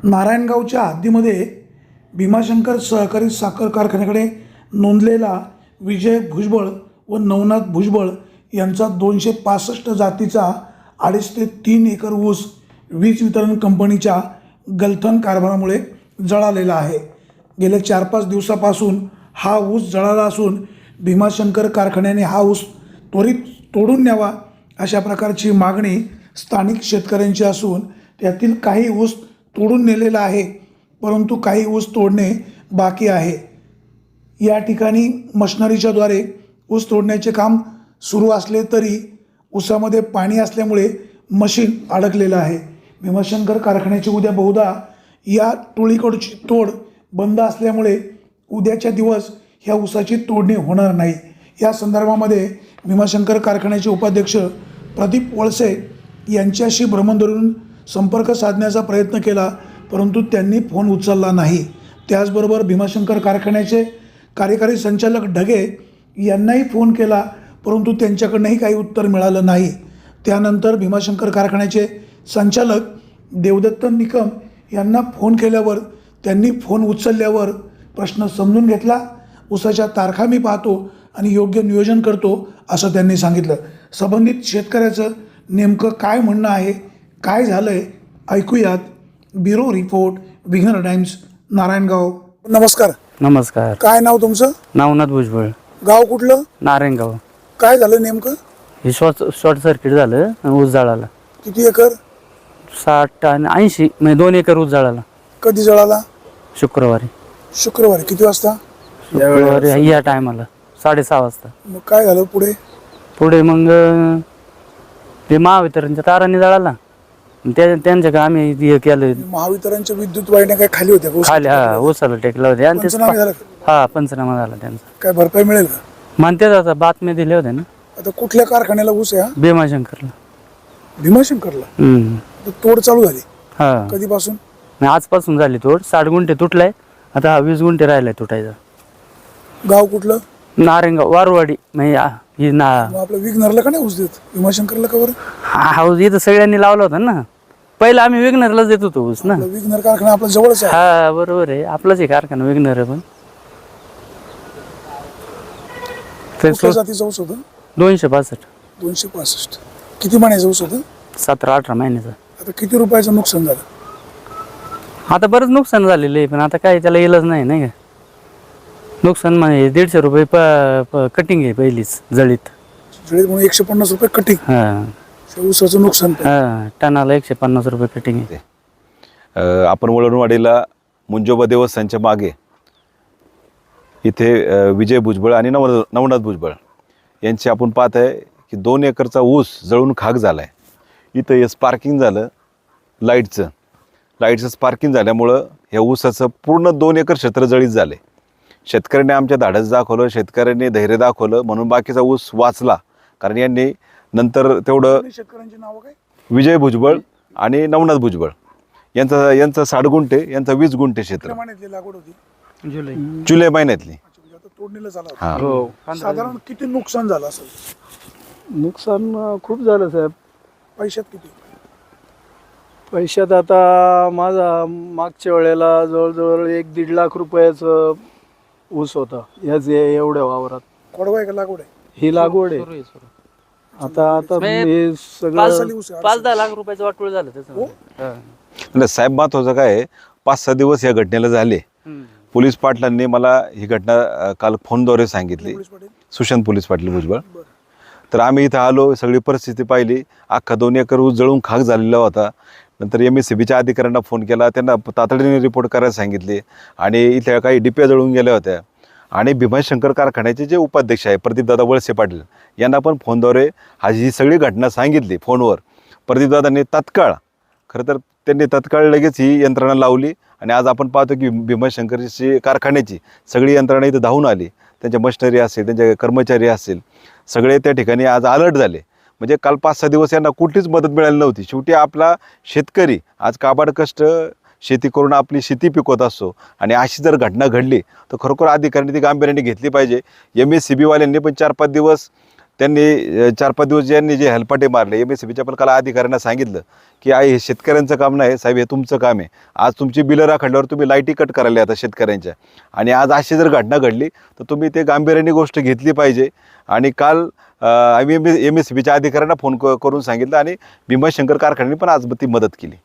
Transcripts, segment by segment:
नारायणगावच्या हद्दीमध्ये भीमाशंकर सहकारी साखर कारखान्याकडे नोंदलेला विजय भुजबळ व नवनाथ भुजबळ यांचा 265 जातीचा 2.5 ते 3 एकर ऊस वीज वितरण कंपनीच्या गलथन कारभारामुळे जळालेला आहे। गेल्या 4-5 दिवसापासून हा ऊस जळाला असून भीमाशंकर कारखान्याने हा ऊस त्वरित तोडून न्यावा अशा प्रकारची मागणी स्थानिक शेतकऱ्यांची असून त्यातील काही ऊस तोडून नेलेला आहे, परंतु काही ऊस तोडणे बाकी आहे। या ठिकाणी मशिनरीच्याद्वारे ऊस तोडण्याचे काम सुरू असले तरी ऊसामध्ये पाणी असल्यामुळे मशीन अडकलेलं आहे। भीमाशंकर कारखान्याची उद्या बहुधा या टोळीकडची तोड बंद असल्यामुळे उद्याच्या दिवस ह्या ऊसाची तोडणी होणार नाही। या संदर्भामध्ये भीमाशंकर कारखान्याचे उपाध्यक्ष प्रदीप वळसे यांच्याशी भ्रमणध्वनीवरून संपर्क साधण्याचा प्रयत्न केला, परंतु त्यांनी फोन उचलला नाही। त्याचबरोबर भीमाशंकर कारखान्याचे कार्यकारी संचालक ढगे यांनाही फोन केला, परंतु त्यांच्याकडूनही काही उत्तर मिळालं नाही। त्यानंतर भीमाशंकर कारखान्याचे संचालक देवदत्त निकम यांना फोन केल्यावर त्यांनी फोन उचलल्यावर प्रश्न समजून घेतला, ऊसाच्या तारखा मी पाहतो आणि योग्य नियोजन करतो असं त्यांनी सांगितलं। संबंधित शेतकऱ्याचं नेमकं काय म्हणणं आहे, काय झालं आहे ऐकूयात। Bureau report, Vighnahar Times, Narayangaon. नमस्कार। नमस्कार। काय नाव तुमचं? नवनाथ भुजबळ। गाव कुठलं? नारायणगाव। काय झालं नेमकं? हे शॉर्ट सर्किट झालं आणि ऊस जळाला। किती एकर? 60 आणि 80 म्हणजे 2 एकर ऊस जळाला। कधी जळाला? शुक्रवारी। शुक्रवारी किती वाजता? शुक्रवारी या टायमाला 6:30 वाजता। मग काय झालं पुढे? पुढे मग ते महावितरणच्या तारांनी जळाला। त्यांच्या आम्ही हे केलं, महावितरणच्या विद्युत वाहिन्या काय खाली होत्या? खाली ऊसाला टेकलं होते आणि पंचनामे झाले का? हा पंचनामा झाला त्यांचा। काय भरपाई मिळेल का? म्हणते आता बातम्या दिल्या होत्या ना। आता कुठल्या कारखान्याला ऊस आहे हा? भीमाशंकरला। भीमाशंकरला? आता तोड चालू झाली हा। कधीपासून? आजपासून झाली तोड। 60 गुंठे तुटलाय, आता हा 20 गुंठे राहिलाय तुटायचा। गाव कुठलं? नारायणगाव वारवाडी। म्हणजे ही ना मग आपलं विघ्नरला का नाही ऊस देत, भीमाशंकरला का बरं? हाऊस इथं सगळ्यांनी लावला होता ना। पहिलं आम्ही विघ्नरलाच देत होतो ऊस ना। आपलं विघ्नर कारखाना आपल्या जवळच आहे। हा बरोबर आहे, आपलाच आहे कारखाना विघ्नर आहे। पण कुठल्या जातीचा ऊस होता? 265। 265। किती महिन्याचा ऊस होता? 17-18 महिन्याचा। आता किती रुपयाचं नुकसान झालं? आता बरंच नुकसान झालेलं आहे, पण आता काय त्याला इलाज नाही नाही का। नुकसान म्हणजे 150 रुपये कटिंग आहे पहिलीच जळीत म्हणून 150 रुपये कटिंग। हा ऊसाचं नुकसान हा, टनाला 150 रुपये कटिंग आहे। आपण वळणवाडीला मुंजोबा देवस्थानच्या मागे इथे विजय भुजबळ आणि नवनाथ भुजबळ यांची आपण पाहत आहे की 2 एकरचा ऊस जळून खाक झाला आहे। इथं हे स्पार्किंग झालं लाईटचं स्पार्किंग झाल्यामुळं ह्या ऊसाचं पूर्ण 2 एकर क्षेत्र जळीत झाले। शेतकऱ्यांनी आमच्या धाडस दाखवलं, शेतकऱ्यांनी धैर्य दाखवलं, म्हणून बाकीचा ऊस वाचला। कारण यांनी नंतर तेवढं शेतकऱ्यांची नावं काय? विजय भुजबळ आणि नवनाथ भुजबळ यांचं 60 गुंठे, यांचं 20 गुंठे क्षेत्र। महिन्यातली लागवड होती? जुलै महिन्यातली। आता तोडणीला झाला हा। होता। साधारण किती नुकसान झालं असेल? नुकसान खूप झालं साहेब। पैशात किती? पैशात आता माझा मागच्या वेळेला जवळजवळ 1-1.5 लाख रुपयाचं ऊस होता याच एवढ्या वावरात। कोडवा आहे का लागवड आहे? ही लागवड आहे। आता हे सगळं 5-10 लाख रुपयाचं वाटोळ झालं त्याचं। नाही साहेब, महत्वाचं काय आहे, 5-6 दिवस या घटनेला झाले। पोलीस पाटलांनी मला ही घटना काल फोनद्वारे सांगितली, सुशांत पोलीस पाटील भुजबळ। तर आम्ही इथं आलो, सगळी परिस्थिती पाहिली, अख्खा 2 एकर ऊस जळून खाक झालेला होता। नंतर MSCBच्या अधिकाऱ्यांना फोन केला, त्यांना तातडीने रिपोर्ट करायला सांगितले आणि इथल्या काही डिप्या जळून गेल्या होत्या। आणि भीमाशंकर कारखान्याचे जे उपाध्यक्ष आहे प्रदीपदादा वळसे पाटील यांना पण फोनद्वारे ही सगळी घटना सांगितली फोनवर। प्रदीपदादांनी तत्काळ लगेच ही यंत्रणा लावली आणि आज आपण पाहतो की भीमाशंकरची कारखान्याची सगळी यंत्रणा इथं धावून आली। त्यांच्या मशिनरी असेल, त्यांचे कर्मचारी असेल, सगळे त्या ठिकाणी आज अलर्ट झाले। म्हणजे काल 5-6 दिवस यांना कुठलीच मदत मिळाली नव्हती। शेवटी आपला शेतकरी आज काबाड कष्ट शेती करून आपली शेती पिकवत असतो आणि अशी जर घटना घडली तर खरोखर अधिकाऱ्यांनी ती गांभीर्याने घेतली पाहिजे। MSCB वाल्यांनी पण 4-5 दिवस त्यांनी 4-5 दिवस ज्यांनी जे हेलपाटे मारले MSCBच्या पण कला अधिकाऱ्यांना सांगितलं की हे शेतकऱ्यांचं काम नाही साहेब, हे तुमचं काम आहे. आज तुमची बिलं राखल्यावर तुम्ही लाईटी कट करायला आता शेतकऱ्यांच्या, आणि आज अशी जर घटना घडली तर तुम्ही ते गांभीर्याने गोष्ट घेतली पाहिजे. आणि काल आम्ही MSCBच्या अधिकाऱ्यांना फोन करून सांगितलं आणि भीमाशंकर कारखान्याने पण आज ती मदत केली.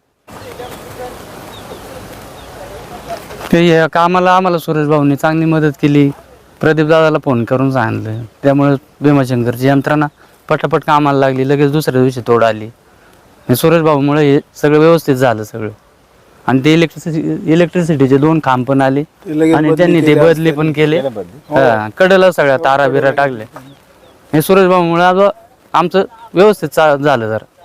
ते या कामाला आम्हाला सुरेश भाऊंनी चांगली मदत केली. प्रदीप दादाला फोन करून सांगितलं, त्यामुळे भीमाशंकरची यंत्रणा पटापट कामाला लागली. लगेच दुसऱ्या दिवशी तोड आली. आणि सुरेश भाऊमुळे हे सगळं व्यवस्थित झालं सगळं. आणि ते इलेक्ट्रिसिटीचे 2 खांब पण आले आणि त्यांनी ते बदली पण केले. कडेला सगळ्या तारा बिरा टाकल्या. हे सुरेश भाऊमुळे आमचं व्यवस्थित झालं जरा.